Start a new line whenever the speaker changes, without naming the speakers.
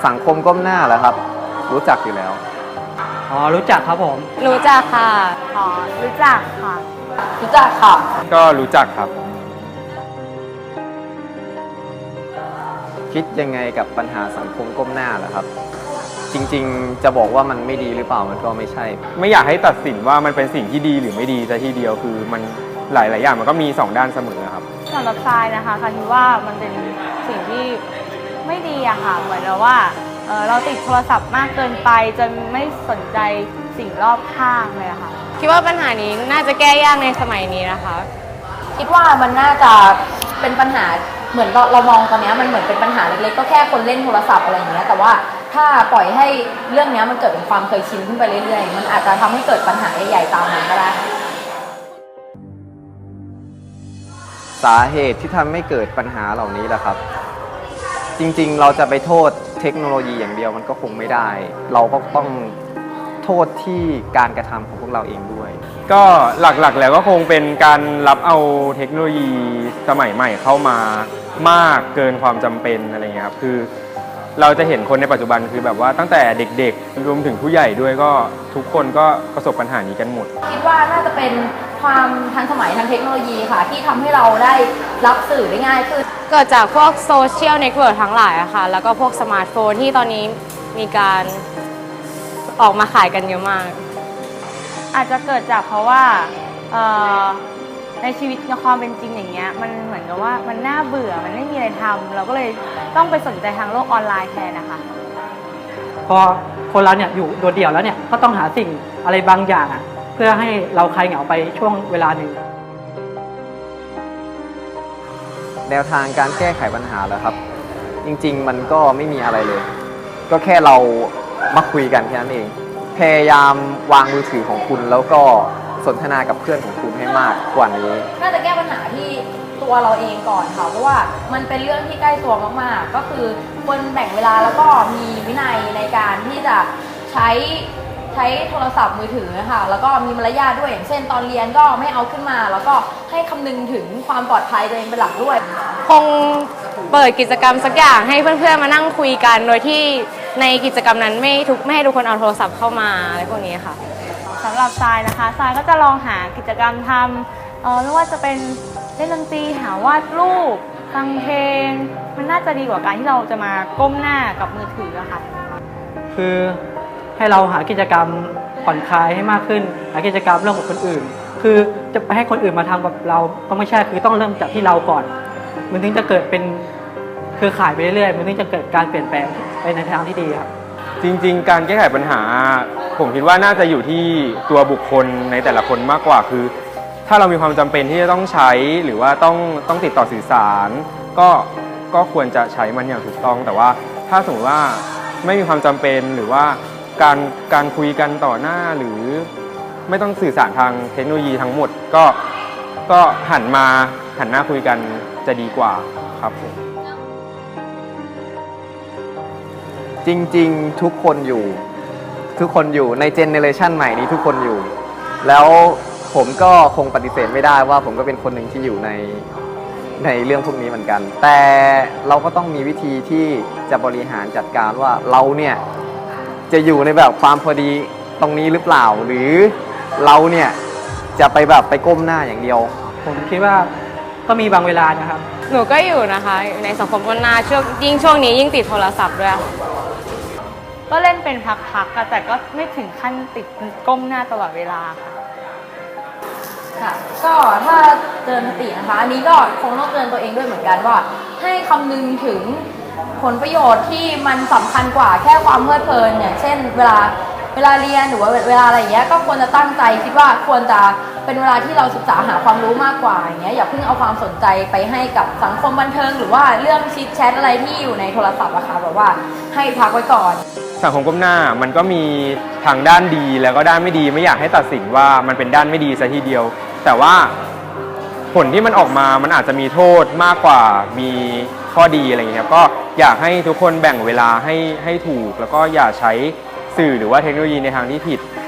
สังคมก้มหน้าเหรอครับรู้จักอยู่แล้ว
อ๋อรู้จักครับผม
รู้จักค่ะ
อ๋อรู้จักค่ะ
รู้จักค่ะ
ก็รู้จักครับ
คิดยังไงกับปัญหาสังคมก้มหน้าเหรอครับจริงๆจะบอกว่ามันไม่ดีหรือเปล่ามันก็ไม่ใช่
ไม่อยากให้ตัดสินว่ามันเป็นสิ่งที่ดีหรือไม่ดีซะทีเดียวคือมันหลายอย่างมันก็มี2ด้านเสมอครับ
สำหรับทรายนะคะคิดว่ามันเป็นสิ่งที่ไม่ดีอะค่ะเหมือนเราว่าเราติดโทรศัพท์มากเกินไปจนไม่สนใจสิ่งรอบข้างเลยอะค่ะ
คิดว่าปัญหานี้น่าจะแก้ยากในสมัยนี้นะคะ
คิดว่ามันน่าจะเป็นปัญหาเหมือนเรามองตอนนี้มันเหมือนเป็นปัญหาเล็กๆก็แค่คนเล่นโทรศัพท์อะไรอย่างเงี้ยแต่ว่าถ้าปล่อยให้เรื่องนี้มันเกิดเป็นความเคยชินขึ้นไปเรื่อยๆมันอาจจะทำให้เกิดปัญหาใหญ่ๆตามมาก็ได้
สาเหตุที่ทำให้เกิดปัญหาเหล่านี้แหละครับจริงๆเราจะไปโทษเทคโนโลยีอย่างเดียวมันก็คงไม่ได้เราก็ต้องโทษที่การกระทำของพวกเราเองด้วย
ก็หลักๆแล้วก็คงเป็นการรับเอาเทคโนโลยีสมัยใหม่เข้ามามากเกินความจำเป็นอะไรเงี้ยครับคือเราจะเห็นคนในปัจจุบันคือแบบว่าตั้งแต่เด็กๆรวมถึงผู้ใหญ่ด้วยก็ทุกคนก็ประสบปัญหานี้กันหมด
คิดว่าน่าจะเป็นความทันสมัยทางเทคโนโลยีค่ะที่ทำให้เราได้รับสื่อได้ง่ายขึ้น
เกิดจากพวกโซเชียลเน็ตเวิร์กทั้งหลายอะค่ะแล้วก็พวกสมาร์ทโฟนที่ตอนนี้มีการออกมาขายกันเยอะมาก
อาจจะเกิดจากเพราะว่าในชีวิตในความเป็นจริงอย่างเงี้ยมันเหมือนกับว่ามันน่าเบื่อมันไม่มีอะไรทำเราก็เลยต้องไปสนใจทางโลกออนไลน์แทนนะคะ
พอคนเราเนี่ยอยู่โดดเดี่ยวแล้วเนี่ยก็ต้องหาสิ่งอะไรบางอย่างเพื่อให้เราคลายเหงาไปช่วงเวลาหนึ่ง
แนวทางการแก้ไขปัญหาแล้วครับจริงๆมันก็ไม่มีอะไรเลยก็แค่เรามาคุยกันแค่นั้นเองพยายามวางมือถือของคุณแล้วก็สนทนากับเพื่อนของคุณให้มากกว่านี้
น่าจะแก้ปัญหาที่ตัวเราเองก่อนค่ะเพราะว่ามันเป็นเรื่องที่ใกล้ตัวมากๆก็คือควรแบ่งเวลาแล้วก็มีวินัยในการที่จะใช้โทรศัพท์มือถือนะคะแล้วก็มีมารยาทด้วยอย่างเช่นตอนเรียนก็ไม่เอาขึ้นมาแล้วก็ให้คำนึงถึงความปลอดภัยตัวเองเป็นหลักด้วย
คงเปิดกิจกรรมสักอย่างให้เพื่อนๆมานั่งคุยกันโดยที่ในกิจกรรมนั้นไม่ให้ทุกคนเอาโทรศัพท์เข้ามาอะไรพวกนี้ค่ะ
สำหรับทรายนะคะทรายก็จะลองหากิจกรรมทำไม่ว่าจะเป็นเล่นดนตรีหาวาดรูปฟังเพลงมันน่าจะดีกว่าการที่เราจะมาก้มหน้ากับมือถืออะค่ะ
คือให้เราหากิจกรรมผ่อนคลายให้มากขึ้นหากิจกรรมเรื่องของคนอื่นคือจะไปให้คนอื่นมาทำกับเราก็ไม่ใช่คือต้องเริ่มจากที่เราก่อนมันถึงจะเกิดเป็นเครือข่ายไปเรื่อยๆมันถึงจะเกิดการเปลี่ยนแปลงไปในทางที่ดีครับ
จริงๆการแก้ไขปัญหาผมคิดว่าน่าจะอยู่ที่ตัวบุคคลในแต่ละคนมากกว่าคือถ้าเรามีความจำเป็นที่จะต้องใช้หรือว่าต้องติดต่อสื่อสารก็ควรจะใช้มันอย่างถูกต้องแต่ว่าถ้าสมมติว่าไม่มีความจำเป็นหรือว่าการคุยกันต่อหน้าหรือไม่ต้องสื่อสารทางเทคโนโลยีทั้งหมดก็หันหน้าคุยกันจะดีกว่าครับผม
จริงๆทุกคนอยู่ในเจเนเรชันใหม่นี้ทุกคนอยู่แล้วผมก็คงปฏิเสธไม่ได้ว่าผมก็เป็นคนหนึ่งที่อยู่ในเรื่องพวกนี้เหมือนกันแต่เราก็ต้องมีวิธีที่จะบริหารจัดการว่าเราเนี่ยจะอยู่ในแบบความพอดีตรงนี้หรือเปล่าหรือเราเนี่ยจะไปก้มหน้าอย่างเดียว
ผมคิดว่าก็มีบางเวลานะครับ
หนูก็อยู่นะคะในสังคมก้มหน้าช่วงนี้ยิ่งติดโทรศัพท์ด้วย
ก็เล่นเป็นพักๆแต่ก็ไม่ถึงขั้นติดก้มหน้าตลอดเวลา
ค่ะก็ถ้าเตือนสตินะคะอันนี้ก็คงต้องเตือนตัวเองด้วยเหมือนกันว่าให้คำนึงถึงผลประโยชน์ที่มันสำคัญกว่าแค่ความเพลิดเพลินอย่างเช่นเวลาเรียนหรือว่าเวลาอะไรอย่างเงี้ยก็ควรจะตั้งใจคิดว่าควรจะเป็นเวลาที่เราศึกษาหาความรู้มากกว่าอย่างเงี้ยอย่าเพิ่งเอาความสนใจไปให้กับสังคมบันเทิงหรือว่าเรื่องชิทแชทอะไรที่อยู่ในโทรศัพท์อะค่ะแบบว่าให้พักไว้ก่อน
สังคมก้มหน้ามันก็มีทางด้านดีแล้วก็ด้านไม่ดีไม่อยากให้ตัดสินว่ามันเป็นด้านไม่ดีซะทีเดียวแต่ว่าผลที่มันออกมามันอาจจะมีโทษมากกว่ามีข้อดีอะไรอย่างเงี้ยครับก็อยากให้ทุกคนแบ่งเวลาให้ถูกแล้วก็อย่าใช้สื่อหรือว่าเทคโนโลยีในทางที่ผิด